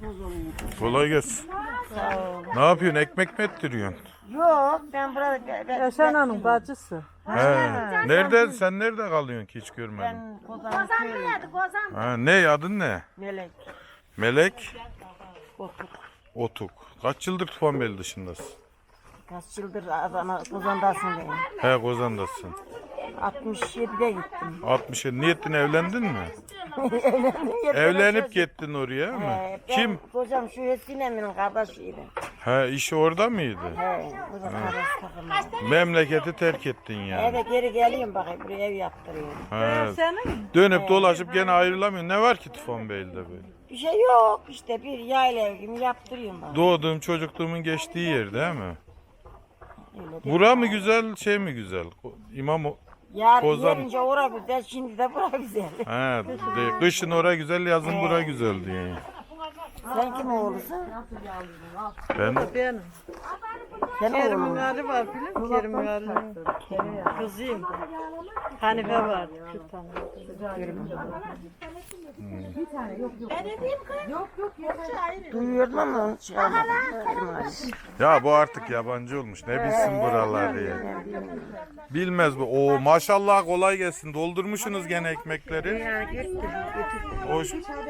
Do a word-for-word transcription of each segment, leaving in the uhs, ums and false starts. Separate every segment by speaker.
Speaker 1: Kolay gelsin.
Speaker 2: Sağ ol.
Speaker 1: Ne yapıyorsun? Ekmek mi ettiriyorsun?
Speaker 2: Yok ben burada ben,
Speaker 3: Yaşar Hanım bacısı.
Speaker 1: He. Nerede? Sen nerede kalıyorsun ki hiç görmedim.
Speaker 2: ben Kozan köylüyüm.
Speaker 1: Ha, ne adın ne?
Speaker 2: Melek.
Speaker 1: Melek
Speaker 2: Otuk.
Speaker 1: Otuk. Kaç yıldır Tufanbeli dışındasın?
Speaker 2: Kaç yıldır Adana Kozan'dasın benim.
Speaker 1: He, Kozan'dasın.
Speaker 2: altmış yedide gittim.
Speaker 1: altmış yedi. Niyetin evlendin mi?
Speaker 2: Evlendim,
Speaker 1: Evlenip gittin oraya mı?
Speaker 2: He, ben
Speaker 1: Kim?
Speaker 2: Kocam şu Hesine'nin kardeşiydi.
Speaker 1: He, işi orada mıydı?
Speaker 2: He, burada kardeş takımı.
Speaker 1: Memleketi terk ettin yani.
Speaker 2: Eve geri geleyim bakayım buraya ev yaptırıyorum.
Speaker 1: He.
Speaker 3: Senin?
Speaker 1: Dönüp dolaşıp gene ayrılamıyorsun. Ne var ki Tufanbeyli'de böyle?
Speaker 2: Bir şey yok işte bir yayla evimi yaptırıyorum bak.
Speaker 1: Doğduğum çocukluğumun geçtiği yer değil mi?
Speaker 2: Öyle değil.
Speaker 1: Bura mı güzel, şey mi güzel? İmam o-
Speaker 2: Yarın
Speaker 1: Kozan.
Speaker 2: yerince ora güzel şimdi de bura güzel.
Speaker 1: He, de- kışın ora güzel, yazın bura güzel diye.
Speaker 2: Sen kim oğlusun?
Speaker 1: Ben
Speaker 3: Benim.
Speaker 2: Sen
Speaker 3: Kerim'in
Speaker 2: oğlun.
Speaker 3: Ali var bilir misin? Kerim'in Ali'nin kızıyım. Hanife var. Bir tane.
Speaker 2: Duyuyordum ama onu çıkarmadım. Kerim Ali.
Speaker 1: ya bu artık yabancı olmuş. Ne bilsin buraları ya. Bilmez bu. Oo maşallah kolay gelsin. Doldurmuşsunuz gene ekmekleri. Hoş.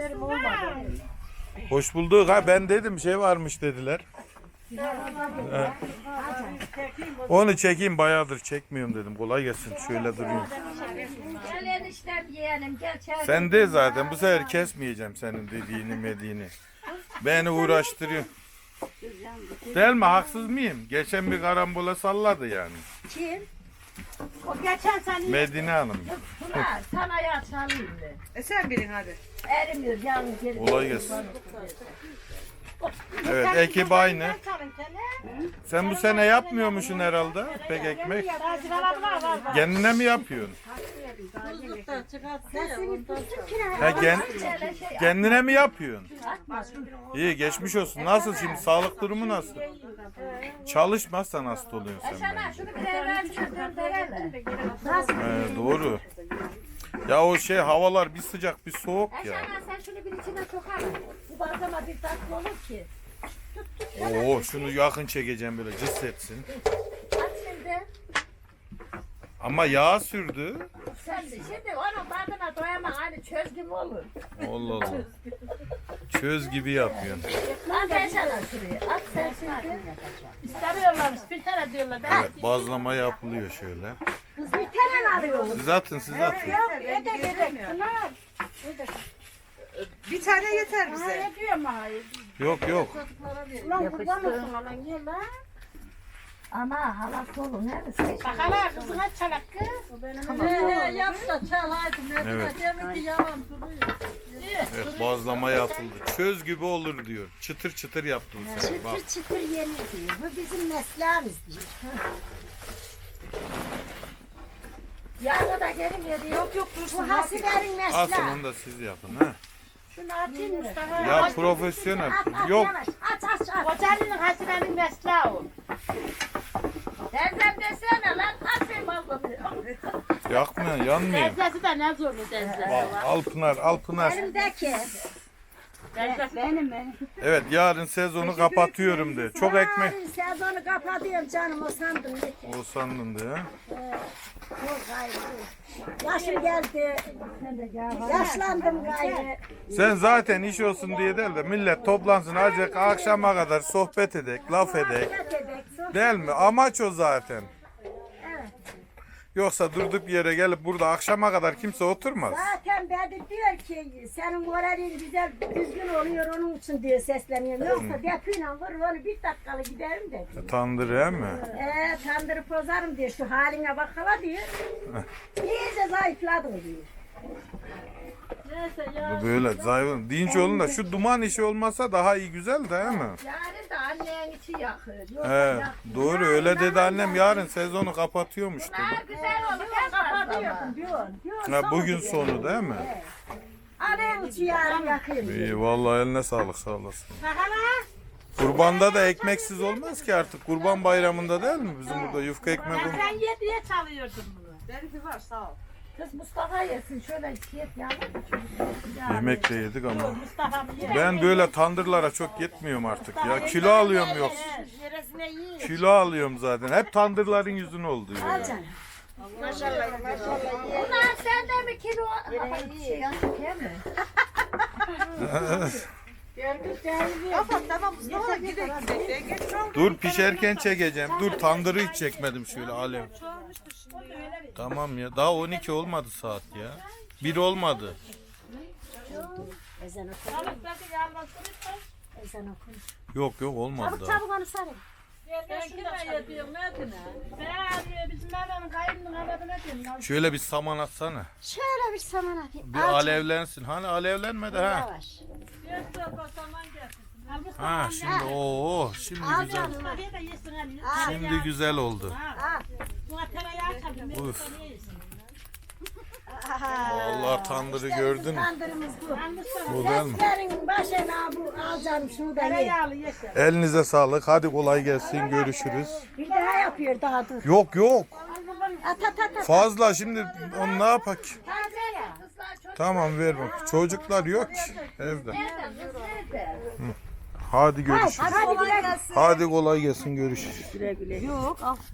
Speaker 1: Hoş bulduk. Ha ben dedim şey varmış dediler. He. Onu çekeyim bayağıdır çekmiyorum dedim. Kolay gelsin. Şöyle durayım.
Speaker 4: Gel eniştem yeğenim gel çay.
Speaker 1: Sen de zaten bu sefer kesmeyeceğim senin dediğini mediğini. Beni uğraştırıyor. Değil mi? Haksız mıyım? Geçen bir karambola salladı yani.
Speaker 4: Kim? O geçen sene
Speaker 1: Medine Hanım.
Speaker 4: Pınar sana ya çalayım mı?
Speaker 3: E sen bilin hadi.
Speaker 4: Erimiyor yalnız geri.
Speaker 1: Kolay gelsin. Evet ekip aynı. Sen bu sene yapmıyormuşsun herhalde pek ekmek. Kendine mi yapıyorsun? Ha, gen, kendine mi yapıyorsun? İyi geçmiş olsun. Nasıl şimdi sağlık durumu nasıl? Çalışmazsan hasta oluyorsun sen
Speaker 4: Sana
Speaker 1: bence.
Speaker 4: şunu bir evvel döndürelim.
Speaker 1: He, doğru. Ya o şey havalar bir sıcak bir soğuk ya.
Speaker 4: Eşana sen şunu bir içine sokar. Bu bazama bir tatlı olur ki.
Speaker 1: Oo şunu yakın çekeceğim böyle cıs etsin.
Speaker 4: Aç şimdi.
Speaker 1: Ama yağ sürdü.
Speaker 4: Sen de şimdi onun tadına doyamam. Hani çöz gibi olur.
Speaker 1: Allah Allah. Çöz gibi yapıyorsun.
Speaker 4: Lan ben sana şuraya. At sen şimdi. İstemiyorlarmış. Bir tane diyorlar. Ben
Speaker 1: Evet bazlama yapılıyor şöyle.
Speaker 4: kız bir tane alıyorum.
Speaker 1: Siz atın siz atın.
Speaker 4: Yok yedek yedek. Pınar.
Speaker 3: Bir tane yeter bize.
Speaker 4: Ne diyorum hayır.
Speaker 1: Yok yok.
Speaker 4: Ulan kurban olsun lan gel lan. Ana halası olur neredesin? Bak hala kızına çalak kız. He yap da çal hadi.
Speaker 1: Evet.
Speaker 4: Demek ki yalan duruyor.
Speaker 1: Evet bazlama yapıldı. Çöz gibi olur diyor. Çıtır çıtır yaptın sen. Bak.
Speaker 4: Çıtır çıtır yenir diyor. Bu bizim mesleğimiz diyor. Yarın da gelin ya Yok yok dursun. Bu hasilerin mesleği.
Speaker 1: Asıl onu da siz yapın ha.
Speaker 4: Şunu atayım Mustafa.
Speaker 1: Ya profesyonel. Yok.
Speaker 4: Aç aç aç. Kocanın hasilerin mesleği o. Teyzem desene lan atayım balını.
Speaker 1: Yakmıyor yanmıyor.
Speaker 4: Teyzesi de ne zorlu teyze.
Speaker 1: Al, al Pınar al Pınar.
Speaker 4: Elimdeki. Benim benim.
Speaker 1: Evet yarın sezonu kapatıyorum de. Çok ekmek.
Speaker 4: Sezonu kapatıyorum canım o sandım.
Speaker 1: O sandın de ha.
Speaker 4: Yok gayrı. Yaşım geldi. Yaşlandım gayrı.
Speaker 1: Sen zaten iş olsun diye değil de millet toplansın azıcık akşama kadar sohbet edek, laf edek. Değil mi? Amaç o zaten. Yoksa durduk yere gelip burada akşama kadar kimse oturmaz.
Speaker 4: Zaten Bedir diyor ki senin moralin güzel düzgün oluyor onun için diye sesleniyorum. Yoksa depiyle vur onu bir dakikalı giderim de.
Speaker 1: Tandır he mi?
Speaker 4: Eee tandırıp bozarım diyor şu haline bak hala diyor. İyice zayıfladım diyor. Neyse ya.
Speaker 1: Bu böyle zayıf. Dinç olun da şu duman işi olmasa daha iyi güzel de he mi?
Speaker 4: Yarın da annen içi yakır.
Speaker 1: He, doğru öyle dedi annem yarın sezonu kapatıyormuş dedi.
Speaker 4: Ha, güzel olur. Ben kapatıyorum diyorsun. Diyorsun.
Speaker 1: Ha, bugün sonu değil mi?
Speaker 4: Annen içi yarın yakayım.
Speaker 1: İyi vallahi eline sağlık sağ olasın.
Speaker 4: Bak hala.
Speaker 1: Kurbanda da ekmeksiz olmaz ki artık. Kurban bayramında değil mi? Bizim burada yufka ekmek olur.
Speaker 4: Sen yediye çalıyordun bunu.
Speaker 3: Benimki var sağ ol.
Speaker 4: Kız Mustafa yesin şöyle yet yavrum.
Speaker 1: Yemek de yedik ama.
Speaker 3: Mustafa bir yer.
Speaker 1: Ben böyle tandırlara çok yetmiyorum artık ya. Kilo alıyorum yok.
Speaker 2: Neresine yiyin.
Speaker 1: Kilo alıyorum zaten. Hep tandırların yüzüne oldu ya.
Speaker 2: Maşallah maşallah yiyin.
Speaker 4: Ulan sen de mi kilo? Şey yazık ya mı?
Speaker 1: Dur pişerken çekeceğim. Dur tandırı hiç çekmedim şöyle alev. Tamam ya. Daha on iki olmadı saat ya. Bir olmadı.
Speaker 4: Ezan oku. Ezan oku.
Speaker 1: Yok yok olmadı
Speaker 4: Çabuk
Speaker 1: daha.
Speaker 4: çabuk onu sarın.
Speaker 3: Ben kime yediyorum Medine? Ben arıyor bizim Mehmet'in kayınının arabına diyorum.
Speaker 1: Şöyle bir saman atsana.
Speaker 4: Şöyle bir saman atayım.
Speaker 1: Bir alevlensin. Hani alevlenmedi ha.
Speaker 4: Yavaş.
Speaker 3: Bir torba saman getirsin. Al bu
Speaker 1: Ha şimdi oo şimdi güzel.
Speaker 3: Mustafa'ya da yesin hani.
Speaker 1: Şimdi güzel oldu.
Speaker 3: Buna tereyağı tabii.
Speaker 1: Uf. Vallahi tandırı gördün mü?
Speaker 4: Kandırımız bu.
Speaker 1: Güzel mi?
Speaker 4: Senin başına bu alacağım şunu da ye.
Speaker 3: Tereyağlı yesin.
Speaker 1: Elinize sağlık. Hadi kolay gelsin. Görüşürüz.
Speaker 4: Bir daha yapıyor daha dur.
Speaker 1: Yok yok.
Speaker 4: At at at at.
Speaker 1: Fazla şimdi onu ne yapak?
Speaker 4: Taze ya.
Speaker 1: Tamam ver bak. Çocuklar yok ki evde.
Speaker 4: Nereden kız nerede?
Speaker 1: Hadi görüşürüz.
Speaker 4: Hadi güle gelsin.
Speaker 1: Hadi kolay gelsin görüşürüz.
Speaker 4: Yok al.